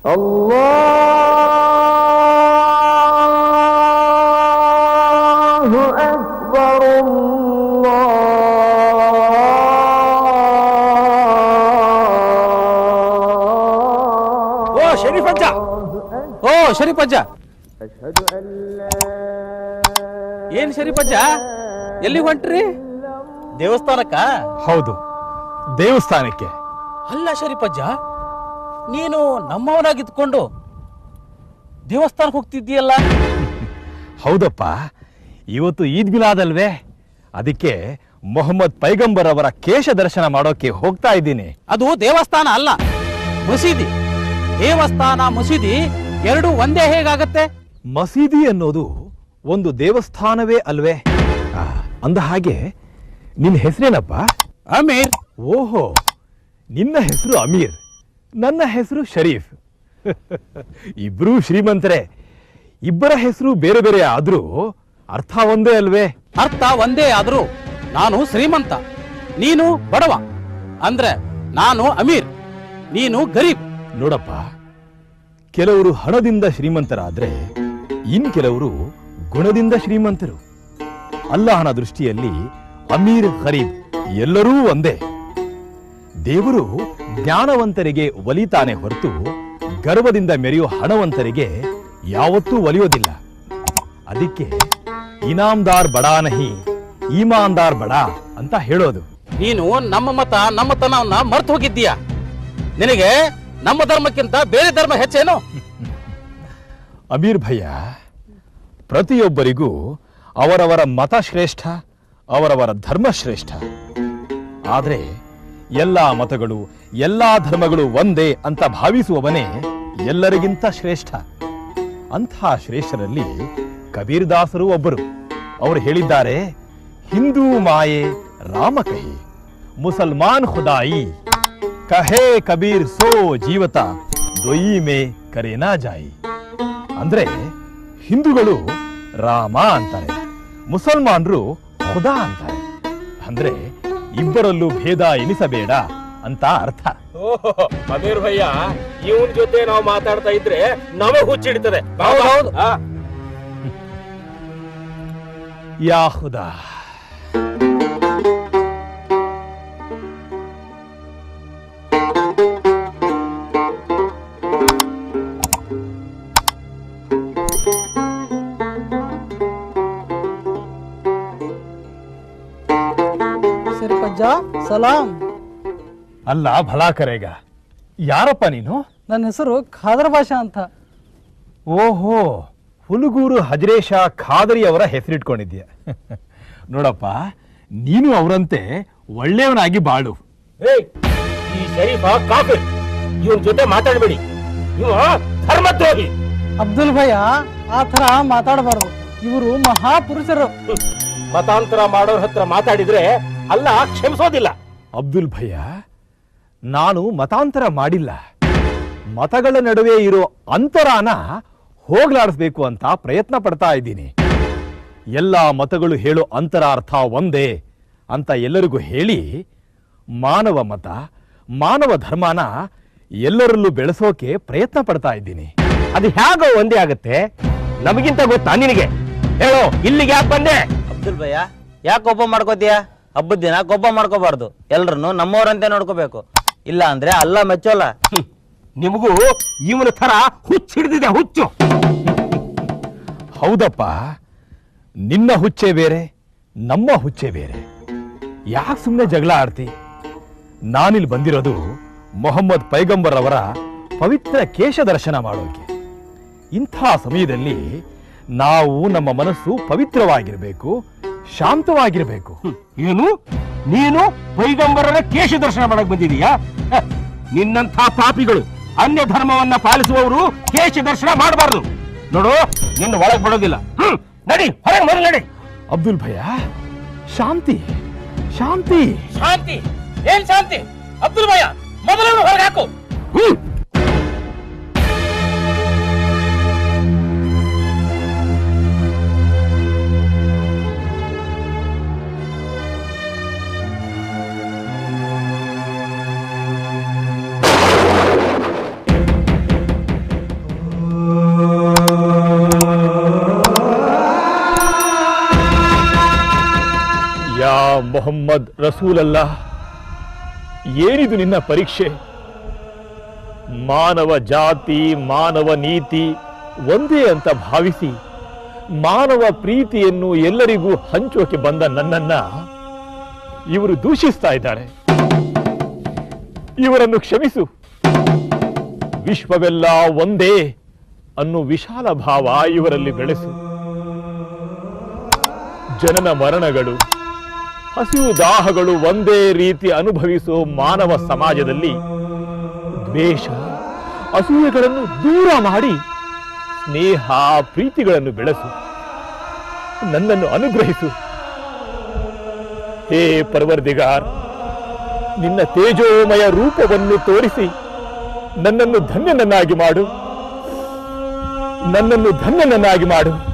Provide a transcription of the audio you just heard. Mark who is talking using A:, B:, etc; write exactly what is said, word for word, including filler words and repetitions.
A: ಅಲ್ಲಾಹು ಅಕ್ಬರ್
B: ಓ ಶರೀಫಜ್ಜ ಓ ಶರೀಫಜ್ಜ ಏನ್ ಶರೀಫಜ್ಜ ಎಲ್ಲಿ ಹೊಂಟ್ರಿ? ದೇವಸ್ಥಾನಕ್ಕ?
C: ಹೌದು, ದೇವಸ್ಥಾನಕ್ಕೆ.
B: ಅಲ್ಲ ಶರೀಫಜ್ಜ, ನೀನು ನಮ್ಮವನಾಗಿದ್ಕೊಂಡು ದೇವಸ್ಥಾನಕ್ಕೆ ಹೋಗ್ತಿದ್ದೀಯಲ್ಲ?
C: ಹೌದಪ್ಪ, ಇವತ್ತು ಈದ್ ಮಿಲಾದ್ ಅಲ್ವೇ, ಅದಕ್ಕೆ ಮೊಹಮ್ಮದ್ ಪೈಗಂಬರ್ ಅವರ ಕೇಶ ದರ್ಶನ ಮಾಡೋಕೆ ಹೋಗ್ತಾ ಇದ್ದೀನಿ.
B: ಅದು ದೇವಸ್ಥಾನ ಅಲ್ಲ, ಮಸೀದಿ. ದೇವಸ್ಥಾನ ಮಸೀದಿ ಎರಡು ಒಂದೇ ಹೇಗಾಗತ್ತೆ?
C: ಮಸೀದಿ ಅನ್ನೋದು ಒಂದು ದೇವಸ್ಥಾನವೇ ಅಲ್ವೇ? ಅಂದ ಹಾಗೆ ನಿನ್ನ ಹೆಸರೇನಪ್ಪ?
B: ಅಮೀರ್.
C: ಓಹೋ, ನಿನ್ನ ಹೆಸರು ಅಮೀರ್, ನನ್ನ ಹೆಸರು ಶರೀಫ್. ಇಬ್ರೂ ಶ್ರೀಮಂತರೇ. ಇಬ್ಬರ ಹೆಸರು ಬೇರೆ ಬೇರೆ ಆದ್ರೂ ಅರ್ಥ ಒಂದೇ ಅಲ್ವೇ?
B: ಅರ್ಥ ಒಂದೇ ಆದ್ರೂ ನಾನು ಶ್ರೀಮಂತ, ನೀನು ಬಡವ. ಅಂದ್ರೆ ನಾನು ಅಮೀರ್, ನೀನು ಗರೀಬ್.
C: ನೋಡಪ್ಪ, ಕೆಲವರು ಹಣದಿಂದ ಶ್ರೀಮಂತರಾದ್ರೆ ಇನ್ ಕೆಲವರು ಗುಣದಿಂದ ಶ್ರೀಮಂತರು. ಅಲ್ಲಾಹನ ದೃಷ್ಟಿಯಲ್ಲಿ ಅಮೀರ್ ಗರೀಬ್ ಎಲ್ಲರೂ ಒಂದೇ. ದೇವರು ಜ್ಞಾನವಂತರಿಗೆ ಒಲಿತಾನೆ ಹೊರತು ಗರ್ವದಿಂದ ಮೆರೆಯೋ ಹಣವಂತರಿಗೆ ಯಾವತ್ತೂ ಒಲಿಯೋದಿಲ್ಲ. ಅದಕ್ಕೆ ಇನಾಮ್ದಾರ್ ಬಡಾ ನಹಿ ಈಮಾನ್ದಾರ್ ಬಡಾ ಅಂತ ಹೇಳೋದು.
B: ನೀನು ನಮ್ಮ ಮತ ನಮ್ಮತನವನ್ನ ಮರ್ತು ಹೋಗಿದ್ದೀಯ. ನಿನಗೆ ನಮ್ಮ ಧರ್ಮಕ್ಕಿಂತ ಬೇರೆ ಧರ್ಮ ಹೆಚ್ಚೇನು?
C: ಅಮೀರ್ ಭಯ್ಯ, ಪ್ರತಿಯೊಬ್ಬರಿಗೂ ಅವರವರ ಮತ ಶ್ರೇಷ್ಠ, ಅವರವರ ಧರ್ಮ ಶ್ರೇಷ್ಠ. ಆದ್ರೆ ಎಲ್ಲಾ ಮತಗಳು ಎಲ್ಲಾ ಧರ್ಮಗಳು ಒಂದೇ ಅಂತ ಭಾವಿಸುವವನೇ ಎಲ್ಲರಿಗಿಂತ ಶ್ರೇಷ್ಠ. ಅಂಥ ಶ್ರೇಷ್ಠರಲ್ಲಿ ಕಬೀರ್ ದಾಸರು ಒಬ್ಬರು. ಅವರು ಹೇಳಿದ್ದಾರೆ, ಹಿಂದೂ ಮಾಯೆ ರಾಮ ಕಹಿ, ಮುಸಲ್ಮಾನ್ ಖುದಾಯಿ ಕಹೇ ಕಬೀರ್ ಸೋ ಜೀವತ ದೊಯಿ ಮೇ ಕರೇನಾ ಜಾಯಿ. ಅಂದ್ರೆ ಹಿಂದೂಗಳು ರಾಮ ಅಂತಾರೆ, ಮುಸಲ್ಮಾನರು ಖುದಾ ಅಂತಾರೆ. ಅಂದ್ರೆ ಇಬ್ಬರಲ್ಲೂ ಭೇದ ಎನಿಸಬೇಡ ಅಂತ ಅರ್ಥ.
D: ಅಮೀರ್ ಭಯ್ಯ, ಇವನ್ ಜೊತೆ ನಾವು ಮಾತಾಡ್ತಾ ಇದ್ರೆ ನಮಗೆ ಹುಚ್ಚಿಡ್ತದೆ.
C: ಯಾ ಖುದಾ.
E: ಸಲಾಂ.
C: ಅಲ್ಲ ಭಲಾ ಕರೆಗ. ಯಾರಪ್ಪ ನೀನು?
E: ನನ್ನ ಹೆಸರು ಖಾದರ್ ಭಾಷಾ ಅಂತ.
C: ಓಹೋ, ಹುಲಗೂರು ಹಜರೇಶ ಖಾದರಿ ಅವರ ಹೆಸರಿಟ್ಕೊಂಡಿದ್ಯ. ನೋಡಪ್ಪ, ನೀನು ಅವರಂತೆ ಒಳ್ಳೆಯವನಾಗಿ ಬಾಳು.
D: ಈ ಶರೀಫ ಕಾಫಿರ್, ಇವನ್ ಜೊತೆ ಮಾತಾಡಬೇಡಿ, ಇವ ಧರ್ಮದ್ರೋಹಿ.
E: ಅಬ್ದುಲ್ ಭಯ್ಯ, ಆ ತರ ಮಾತಾಡಬಾರ್ದು. ಇವರು ಮಹಾಪುರುಷರು.
D: ಮತಾಂತರ ಮಾಡೋರ್ ಹತ್ರ ಮಾತಾಡಿದ್ರೆ ಅಲ್ಲ ಕ್ಷಮಿಸೋದಿಲ್ಲ.
C: ಅಬ್ದುಲ್ ಭಯ್ಯ, ನಾನು ಮತಾಂತರ ಮಾಡಿಲ್ಲ. ಮತಗಳ ನಡುವೆ ಇರೋ ಅಂತರಾನ ಹೋಗ್ಲಾಡಿಸ್ಬೇಕು ಅಂತ ಪ್ರಯತ್ನ ಪಡ್ತಾ ಇದ್ದೀನಿ. ಎಲ್ಲ ಮತಗಳು ಹೇಳೋ ಅಂತರಾರ್ಥ ಒಂದೇ ಅಂತ ಎಲ್ಲರಿಗೂ ಹೇಳಿ ಮಾನವ ಮತ ಮಾನವ ಧರ್ಮನ ಎಲ್ಲರಲ್ಲೂ ಬೆಳೆಸೋಕೆ ಪ್ರಯತ್ನ ಪಡ್ತಾ ಇದ್ದೀನಿ.
D: ಅದು ಹೇಗೋ ಒಂದೇ ಆಗತ್ತೆ? ನಮಗಿಂತ ಗೊತ್ತಾ ನಿನಗೆ? ಹೇಳೋ, ಇಲ್ಲಿಗೆ ಯಾಕೆ ಬಂದೆ?
F: ಅಬ್ದುಲ್ ಭಯ್ಯ, ಯಾಕೆ ಕೋಪ ಮಾಡ್ಕೋತೀಯ? ಹಬ್ಬದ ದಿನ ಕೋಪ ಮಾಡ್ಕೋಬಾರ್ದು, ಎಲ್ರನ್ನು ನಮ್ಮವರಂತೆ ನೋಡ್ಕೋಬೇಕು. ಇಲ್ಲ ಅಂದ್ರೆ ಅಲ್ಲ ಮೆಚ್ಚೋಲ್ಲ.
D: ನಿಮಗೂ ಇವನ ತರ ಹುಚ್ಚು ಹಿಡಿದಿದೆ, ಹುಚ್ಚು.
C: ಹೌದಪ್ಪ, ನಿನ್ನ ಹುಚ್ಚೆ ಬೇರೆ, ನಮ್ಮ ಹುಚ್ಚೆ ಬೇರೆ. ಯಾಕೆ ಸುಮ್ಮನೆ ಜಗಳ ಆಡ್ತಿ? ನಾನಿಲ್ಲಿ ಬಂದಿರೋದು ಮೊಹಮ್ಮದ್ ಪೈಗಂಬರ್ ಅವರ ಪವಿತ್ರ ಕೇಶ ದರ್ಶನ ಮಾಡೋಕೆ. ಇಂಥ ಸಮಯದಲ್ಲಿ ನಾವು ನಮ್ಮ ಮನಸ್ಸು ಪವಿತ್ರವಾಗಿರಬೇಕು, ಶಾಂತವಾಗಿರಬೇಕು.
D: ಏನು, ನೀನು ಪೈಗಂಬರರ ಕೇಶ ದರ್ಶನ ಮಾಡಕ್ ಬಂದಿದೀಯಾ? ನಿನ್ನಂಥ ಪಾಪಿಗಳು, ಅನ್ಯ ಧರ್ಮವನ್ನ ಪಾಲಿಸುವವರು ಕೇಶ ದರ್ಶನ ಮಾಡಬಾರ್ದು. ನೋಡು, ನಿನ್ನ ಒಳಗ್ ಬಿಡೋದಿಲ್ಲ. ಹ್ಮ್, ನಡಿ, ಹೊರಗೆ ಮೊದಲು ನಡಿ.
C: ಅಬ್ದುಲ್ ಭಯ್ಯ, ಶಾಂತಿ ಶಾಂತಿ
B: ಶಾಂತಿ? ಏನ್ ಶಾಂತಿ? ಅಬ್ದುಲ್ ಭಯ್ಯ, ಮೊದಲು ಹೊರಗೆ ಹಾಕು.
D: ಹ್ಮ್
C: ಮೊಹಮ್ಮದ್ ರಸೂಲಲ್ಲ, ಏನಿದು ನಿನ್ನ ಪರೀಕ್ಷೆ? ಮಾನವ ಜಾತಿ ಮಾನವ ನೀತಿ ಒಂದೇ ಅಂತ ಭಾವಿಸಿ ಮಾನವ ಪ್ರೀತಿಯನ್ನು ಎಲ್ಲರಿಗೂ ಹಂಚೋಕೆ ಬಂದ ನನ್ನನ್ನ ಇವರು ದೂಷಿಸ್ತಾ ಇದ್ದಾರೆ. ಇವರನ್ನು ಕ್ಷಮಿಸು. ವಿಶ್ವವೆಲ್ಲ ಒಂದೇ ಅನ್ನೋ ವಿಶಾಲ ಭಾವ ಇವರಲ್ಲಿ ಬೆಳೆಸು. ಜನನ ಮರಣಗಳು, ಹಸಿವು ದಾಹಗಳು ಒಂದೇ ರೀತಿ ಅನುಭವಿಸುವ ಮಾನವ ಸಮಾಜದಲ್ಲಿ ದ್ವೇಷ ಅಸೂಯೆಗಳನ್ನು ದೂರ ಮಾಡಿ ಸ್ನೇಹ ಪ್ರೀತಿಗಳನ್ನು ಬೆಳೆಸು. ನನ್ನನ್ನು ಅನುಗ್ರಹಿಸು. ಹೇ ಪರ್ವರ್ದಿಗಾರ್, ನಿನ್ನ ತೇಜೋಮಯ ರೂಪವನ್ನು ತೋರಿಸಿ ನನ್ನನ್ನು ಧನ್ಯನನ್ನಾಗಿ ಮಾಡು. ನನ್ನನ್ನು ಧನ್ಯನನ್ನಾಗಿ ಮಾಡು.